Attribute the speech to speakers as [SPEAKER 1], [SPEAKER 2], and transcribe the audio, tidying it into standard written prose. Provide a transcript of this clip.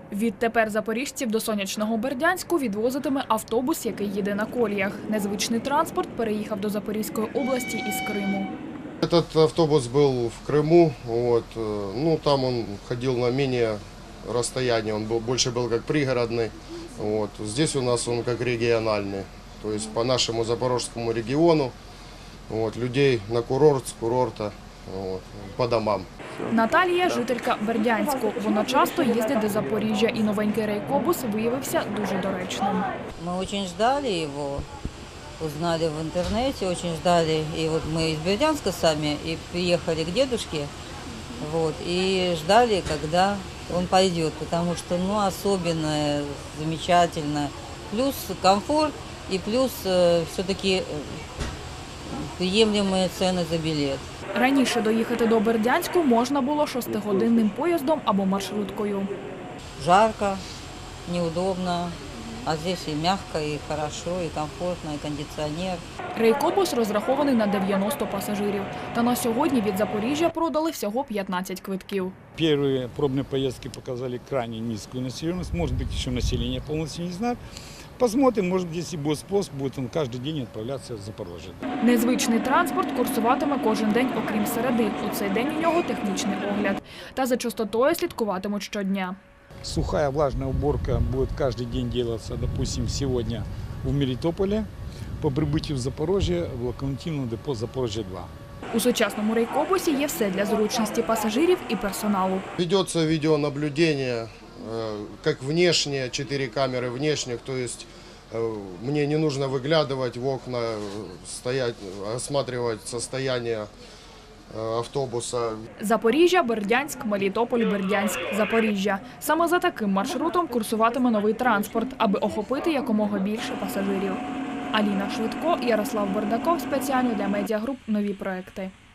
[SPEAKER 1] Відтепер запоріжців до сонячного Бердянську відвозитиме автобус, який їде на коліях. Незвичний транспорт переїхав до Запорізької області із Криму.
[SPEAKER 2] Этот автобус был в Крыму, там он ходил на менее расстояние, он больше был как пригородный. Здесь у нас он как региональный, то есть по нашему запорожскому региону, людей на курорт, с курорта, по домам.
[SPEAKER 1] Наталія – жителька Бердянську. Вона часто їздить до Запоріжжя, і новенький рейкобус виявився дуже доречним.
[SPEAKER 3] Мы очень ждали его, узнали в интернете, очень ждали. И вот мы из Бердянска сами и приехали к дедушке, и ждали, когда он пойдет, потому что, особенно замечательно. Плюс комфорт и плюс все-таки приемлемые цены за билет.
[SPEAKER 1] Раніше доїхати до Бердянську можна було 6-годинним поїздом або маршруткою.
[SPEAKER 3] Жарко, неудобно, а здесь и мягко, и хорошо, и комфортно, и кондиционер.
[SPEAKER 1] Рейкобус розрахований на 90 пасажирів. Та на сьогодні від Запоріжжя продали всього 15 квитків.
[SPEAKER 4] Первые пробные поездки показали крайне низкую населенность. Может быть, еще население полностью не знает. Посмотрим, может, если будет спрос, будет он каждый день отправляться в Запорожье.
[SPEAKER 1] Незвичний транспорт курсуватиме кожен день, окрім середи. У цей день у нього технічний огляд. Та за частотою слідкуватимуть щодня.
[SPEAKER 4] Сухая влажная уборка будет каждый день делаться, допустим, сегодня в Мелитополе, по прибытию в Запорожье, в локомотивном депо Запорожье-2.
[SPEAKER 1] У сучасному рейкобусі є все для зручності пасажирів і персоналу.
[SPEAKER 2] Ведется видеонаблюдение, как внешние, 4 камеры внешних, то есть мне не нужно выглядывать в окна, стоять, осматривать состояние автобуса.
[SPEAKER 1] Запоріжжя, Бердянськ, Мелітополь, Бердянськ, Запоріжжя. Саме за таким маршрутом курсуватиме новий транспорт, аби охопити якомога більше пасажирів. Аліна Швидко, Ярослав Бардаков. Спеціально для медіагруп «Нові проекти».